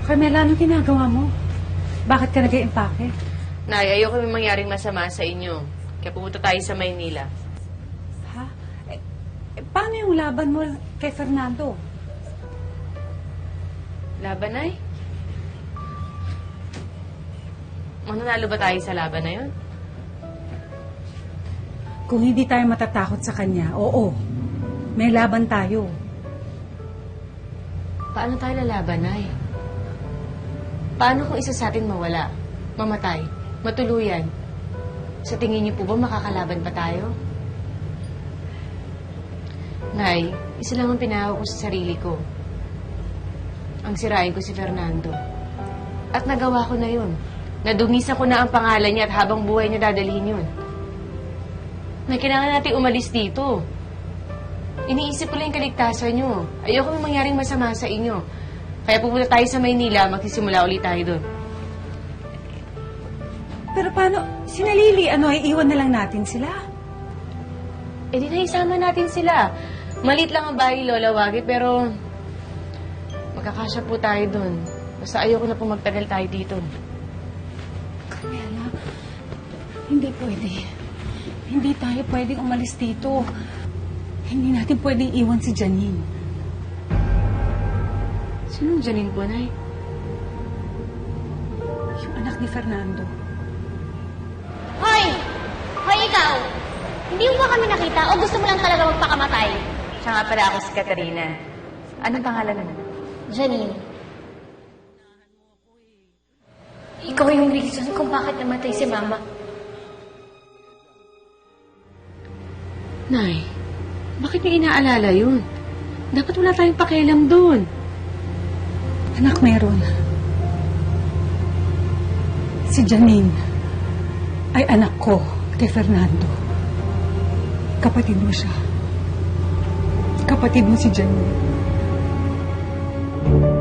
Carmela, anong ginagawa mo? Bakit ka nag-iimpake? Nay, ayoko may mangyaring masama sa inyo. Kaya pumunta tayo sa Maynila. Ha? Paano yung laban mo kay Fernando? Laban, Nay? Mananalo ba tayo sa laban na yun? Kung hindi tayo matatakot sa kanya, oo. May laban tayo. Paano tayo lalaban, Nay? Paano kung isa sa atin mawala, mamatay, matuluyan? Sa tingin niyo po ba makakalaban pa tayo? Nay, isa lang ang pinahawak ko sa sarili ko. Ang sirain ko si Fernando. At nagawa ko na yun. Nadungisa ko na ang pangalan niya at habang buhay niya dadalhin yun. Nay, kailangan natin umalis dito. Iniisip ko lang yung kaligtasan niyo. Ayoko may mangyaring masama sa inyo. Kaya pupunta tayo sa Maynila, magsisimula ulit tayo doon. Pero paano? Sinalili, iiwan na lang natin sila? Eh di na isama natin sila. Malit lang ang bahay, Lola Wagi, pero magkakasya po tayo doon. Basta ayoko na po magtagal tayo dito. Carmela, hindi pwede. Hindi tayo pwedeng umalis dito. Hindi natin pwedeng iwan si Janine. Sinong Janine po, Nay? Yung anak ni Fernando. Hoy! Hoy, ikaw! Hindi mo ba kami nakita o gusto mo lang talaga magpakamatay? Siya nga pala ako si Katarina. Anong pangalan mo? Janine. Ikaw yung reason kung bakit namatay si Mama. Nay, bakit niya inaalala yun? Dapat wala tayong pakialam doon. Anak, meron. Si Janine ay anak ko kay Fernando. Kapatid mo siya. Kapatid mo si Janine.